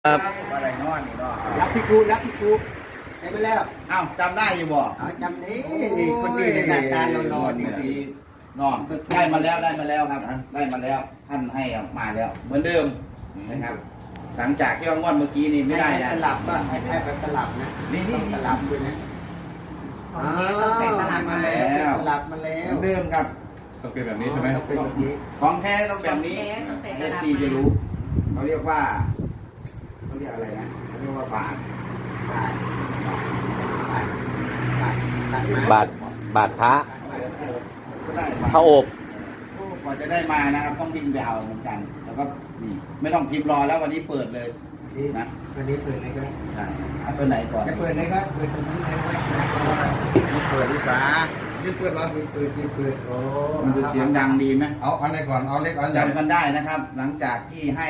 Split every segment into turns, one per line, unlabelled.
ครับ
อะไรนอนนี่เนาะ
รับพี่กูได้ไปแล้ว
อ้าวจำได้อยู่บ่
จำนี้นี่คนนี้ในหน้าตาเราๆนี่สิ
นอนได้มาแล้วครับได้มาแล้วท่านให้มาแล้ว เหมือนเดิมนะครับ หลังจากที่ว่างวดเมื่อกี้นี่ไม่ได้นะ
ตลับป่ะให้ไปตลับนะต้องตลับด้วยนะตลับมาแล้วตลับมาแล้
เหมื
ว
อนเดิมครับ
ต้องเป็นแบบนี้ใช่ไหม
เป็นแบบนี้
ของแท้ต้องแบบนี้เอฟซีจะรู้เขาเรียกว่าเขาเรียกอะไรนะเขาเรียกว่าบาท
บาทพระ
ก็ได้
พระอบ
กว่าจะได้มานะครับต้องวิ่งไปเอาเหมือนกัน แล้วก็นี่ไม่ต้องพิมพ์รอแล้ววันนี้เปิดเลยนะ
วันนี้เปิดเลยก็
เอาตัวไหนก่อน
จะเปิดเลยครับเปิดตรงนี้เลยว่า
นี่เปิดดีกว่า
ยืดเพื่อนเหรอ
เปิดโอ้
มันจะเสียงดังดีไหม
เอาอันไหนก่อนเอาเล็กเอาใหญ่
จำกันได้นะครับ หลังจากที่ให้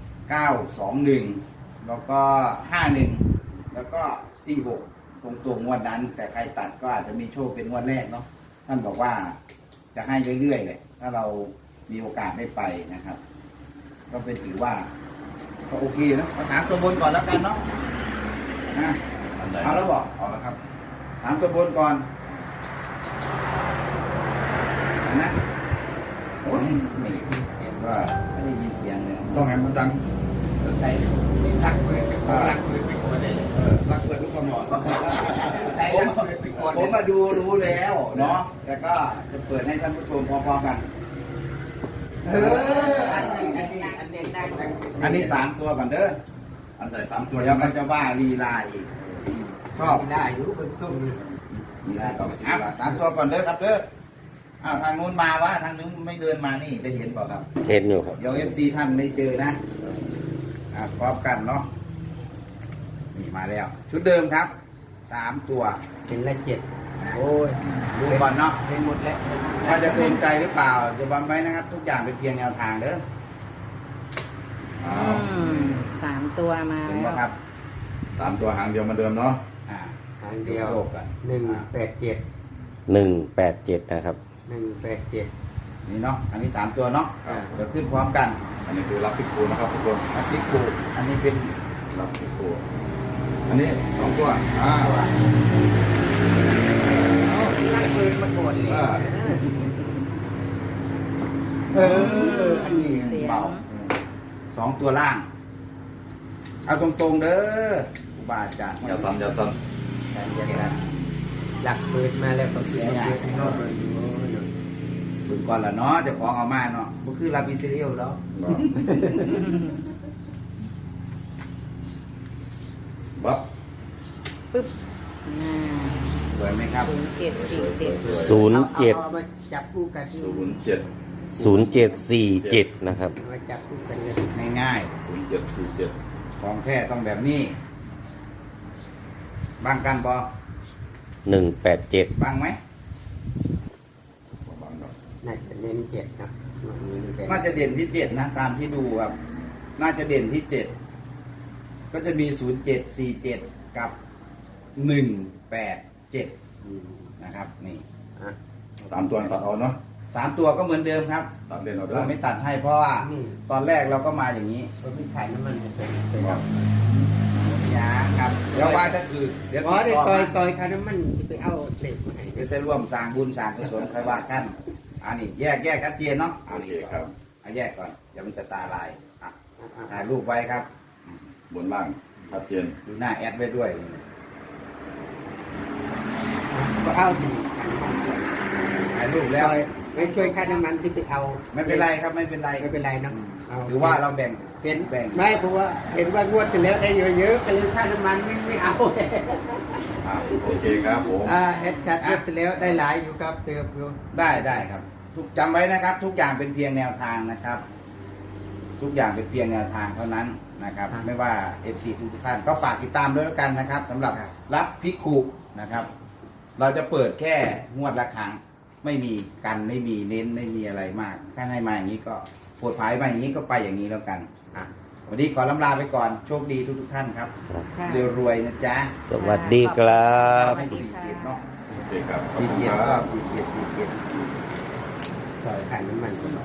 921 แล้วก็ 51 แล้วก็ 46 ตรงๆงวดนั้น แต่ใครตัดก็อาจจะมีโชคเป็นงวดแรกเนาะท่านบอกว่าจะให้เรื่อยๆเลยถ้าเรามีโอกาสได้ไปนะครับ ก็เป็นถือว่าก็โอเคนะมาถามตัวบนก่อนแล้วกันเนาะนะ
อันไหน
เอาแล้วบอก
เอาแล้วครับ
ถามตัวบนก่อนนะโอ้ยไม่เสียงว่าไม่ได้ยินเสียงเลย
ต้องให้มันดัง
ใส่รักเปิดไปก่อนเลย
รักเปิดทุกคนหมด
ใส่รักเปิดไปก่อน
ผมมาดูรู้แล้วเนาะแต่ก็จะเปิดให้ท่านผู้ชมพร้อมๆกัน อันนี้3 ตัวก่อนเด้อ
อันใหญ่3 ตัว
เดี๋
ยั
ยว
งไง
มันจะว่าลีลาอีกชอบ
ได้อยู่บนส้ม
ลีลาก็3 ตัวก่อนเด้อครับเด้ออ้าวทางนู้นมาวะทางนู้นไม่เดินมานี่จะเห็นเปล่าครับ
เห็นอยู่ครับ
เดี๋ยวFC ท่านไม่เจอนะพร้อมกันเนาะนี่มาแล้ว ชุดเดิมครับ3 ตัว
เป็นละ7
โอ้ยดูก่อนเนาะ
เป็นหมดแล้ว
ว่าจะตรงใจหรือเปล่าจะบังไว้นะครับ ทุกอย่างเป็นเพียงแนวทางเด้อ
3 ตัวมา
ถึง
แล้
ไหม
ว
ครับ
3 ตัวหางเดียวเหมาเดิมเนาะ
ทางเดียว
โลกกัน
187
187นะครับ
187
นี่เนาะอันนี้3 ตัวเนาะ
ครับ
เดี๋ยวขึ้นพร้อมกัน
อันนี้คือรับพิกูนะครับทุกคน
อันนี้กูอันนี้เป็น
รับพิกูอันนี้2 ตัว
รักเปิดมาก่อนเลยอันนี้
เสียง
เบา2 ตัวล่าง เอาตรงๆเด้อครูบาอาจารย์
อย่าสั่นอย่าสั่น
หลักเปิดมาแล้วก็เสียอย่างนอกเลย
ถึงก่อนละเนาะเจะของเอามาเนาะก็คือลาบิซิเรียลแล้ว
บับ
ปึ๊บ
สวยไหมครับ
0747
เอามาจับคู่กัน
0747นะครับ
มาจับคู่กันเลย
ง่าย
0747
ๆของแท้ต้องแบบนี้บางกันบอ
187
บางไหม
น่าจะเน้น7นะวันนี้มันเป็น
น่าจะเด่นที่7นะตามที่ดูครับ น่าจะเด่นที่7ก็จะมี0747กับ187นะครับ นี่
3 ตัวตัดเอาเนาะ
3 ตัวก็เหมือนเดิมครับ
ตัดเล่นเอาเด้
เรา
อ
ไม่ตัดให้เพราะว่าตอนแรกเราก็มาอย่างนี้
ก็ไม่ขายน้ำมันเป็น
ครับ
ยาครับเดี๋ยวว่าถ้าคือเดี๋ยว
อ๋อ
ติ
ได้
ดต่อ
ซอย
มา
ค่าน้ำมันไปเอาเหล็กมาให้
เดี๋ยวจะร่วมสร้างบุญสร้างกุศลใครว่ากันอันนี้แยกชัดเจนเนาะ
โอเคครับ
เอาแยกก่อนเดี๋ยวมันจะตาลายอ่ะถ่ายรูปไว้ครับ
บนล่างชัดเจน
ดูหน้าแอดไว้ด้วย
ก็เอาถึง
ถ่ายรูปแล้ว
ไม่ช่วยค่าน้ำมันที่ไปเอา
ไม่เป็นไรครับไม่เป็นไร
ไม่เป็นไรนะ
ถือว่าเราแบ่ง
เป็น
แบ่ง
ไม่เพราะว่าเห็นว่างวดที่แล้วได้เยอะๆก็เลยค่าน้ำมันไม่เอา
โอเคครับผม
แอดชัดงวดที่แล้วได้หลายอยู่ครับเติมอยู่
ได้ครับทุกจำไว้นะครับ ทุกอย่างเป็นเพียงแนวทางนะครับ ทุกอย่างเป็นเพียงแนวทางเท่านั้นนะครับ ไม่ว่า FC ทุกท่านก็ฝากติดตามด้วยแล้วกันนะครับสำหรับรับพิคุนะครับ เราจะเปิดแค่งวดละครั้งไม่มีกันไม่มีเน้นไม่มีอะไรมากแค่ให้มาอย่างนี้ก็โปรดภายมาอย่างนี้ก็ไปอย่างนี้แล้วกันวันนี้ขอลำลาไปก่อนโชคดีทุกท่านครับ
ค่ะ
เรียวรวยนะจ๊ะ
สวัสดีครับ
ให้47เนาะ
โอเคครับขอบคุณ
47
ค
ก็
รับ
47
ซอยค่าน้ำมันก็